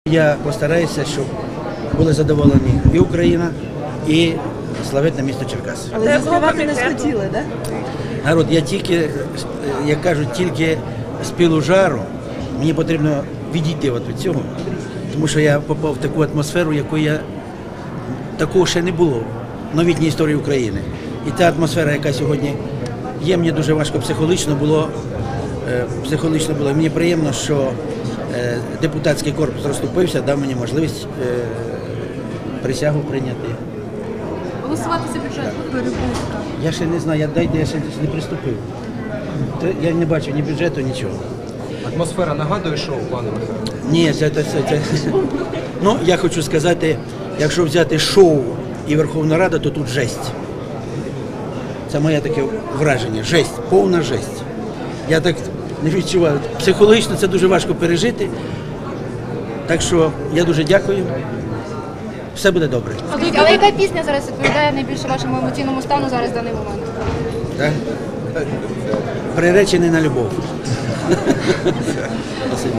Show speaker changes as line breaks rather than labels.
Я постараюся, щоб були задоволені і Україна, і славетне місто Черкаси.
Але заспівати не схотіли, так?
Народ, я тільки, як кажуть, тільки з пилу жару, мені потрібно відійти від цього, тому що я попав в таку атмосферу, такого ще не було в новітній історії України. І та атмосфера, яка сьогодні є, мені дуже важко психологічно було. Мені приємно, що депутатський корпус розступився, дав мені можливість присягу прийняти.
Голосувати за бюджет. Перебувка.
Я ще не знаю, я ще не приступив. Я не бачу ні бюджету, нічого.
Атмосфера нагадує шоу, пане Михайло?
Ні, це. Ну, я хочу сказати, якщо взяти шоу і Верховна Рада, то тут жесть. Це моє таке враження. Жесть, повна жесть. Я так не відчуваю. Психологічно це дуже важко пережити. Так що я дуже дякую. Все буде добре.
Але яка пісня зараз відповідає найбільше вашому емоційному стану зараз в даний момент?
Так? Приречений на любов.